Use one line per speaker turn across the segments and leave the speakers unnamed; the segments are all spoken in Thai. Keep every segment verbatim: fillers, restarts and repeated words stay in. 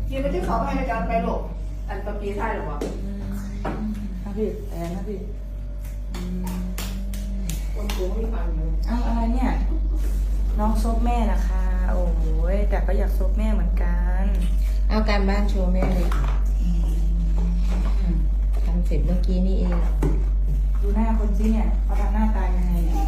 ยืนไปที่เขาให้ในการไปหลบอันปะปีท้ายหรอวะนะพี่แอนนะพี่คนโกงไม่ฟังอยู่อ้าวอะไรเนี่ยน้องซบแม่นะคะโอ้ยแต่ก็อยากซบแม่เหมือนกัน
เอาการบ้านโชว์แม่เลยทำเสร็จเมื่อกี้นี่เอง
ดูหน้าคนสิเนี่ยเขาทำหน้าตายังไงเนี่ย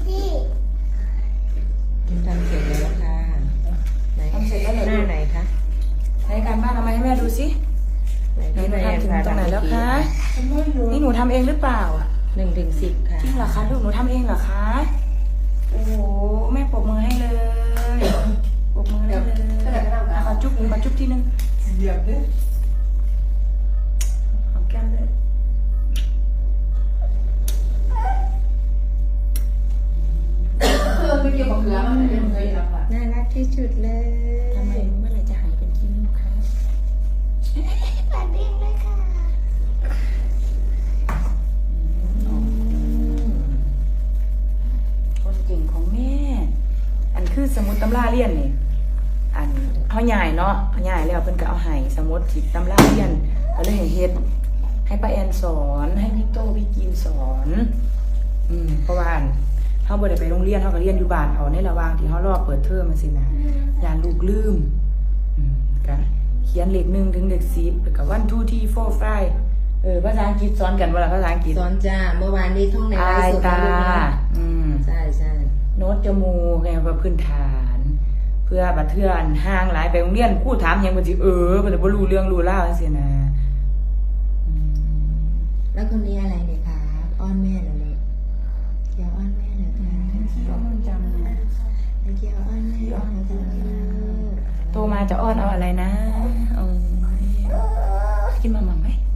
ทำเสร็จแล้วค่ะไหนทำเสร็จแล้วหน้าไหนคะ
ในการบ้านทำไมให้แม่ดูสิไหนหนูทำถึงตรงไหนแล้วคะนี่หนูทำเองหรือเปล่าอ่ะ
หนึ่งถึงสิบค่ะ
จริงเหรอคะลูกหนูทำเองเหรอคะโอ้โหแม่ปรบมือให้เลยปรบมือให้เลยขอจุ๊บขอจุ๊บทีนึงเหยียบเลยหอมแก้มเลยเพื่อนไม่เกี่ยวกับเกลือมันเป็นเกลือหรอกค่ะ
น่ารักที่สุดเลย
ทำไมเมื่อไหร่จะหายเป็นขี้มูกคะปาดเด้งเลยค่ะคนเก่งของแม่อันคือสมุดตำราเรียนนี่อันเขาใหญ่เนาะเขาใหญ่แล้วเพิ่นก็เอาให้สมุดจิตตำราเรียนก็เลยให้เฮ็ดให้ป้าแอนสอนให้พี่โตพี่จีนสอนอืมเพราะว่าเขาบ่ได้ไปโรงเรียนเขาก็เรียนอยู่บ้านเอาในระหว่างที่เขารอเปิดเทอมมันสินะยานลูกลืมอืมก็เขียนเลขหนึ่งถึงเลขสิบแล้วก็วันทูที่โฟร์ไฟเออภาษาอังกฤษสอนกันเวลาภาษาอังกฤษ
สอนจ้าเมื่อวานนี้ท่องในไลฟ์สด
ตาอืม
ใช่ใช่
โน้ตจมูกไงว่าพื้นฐาน เพื่อบัดเทือนห่างหลายไปโรงเรียนครูถามยังบ่สิเออบ่ได้บ่รู้เรื่องรู้ราวจังซี่นะ
แล้วคนนี้อะไรเนี่ยคะอ้อนแม่เหรอเนี่ยเกี่ยวอ้อนแม่เหรอคะ
ขี้อ้อนจัง
เกี่ยวอ้อนแม่เหรอคะ
โตมาจะอ้อนเอาอะไรนะกินมาม่าไหม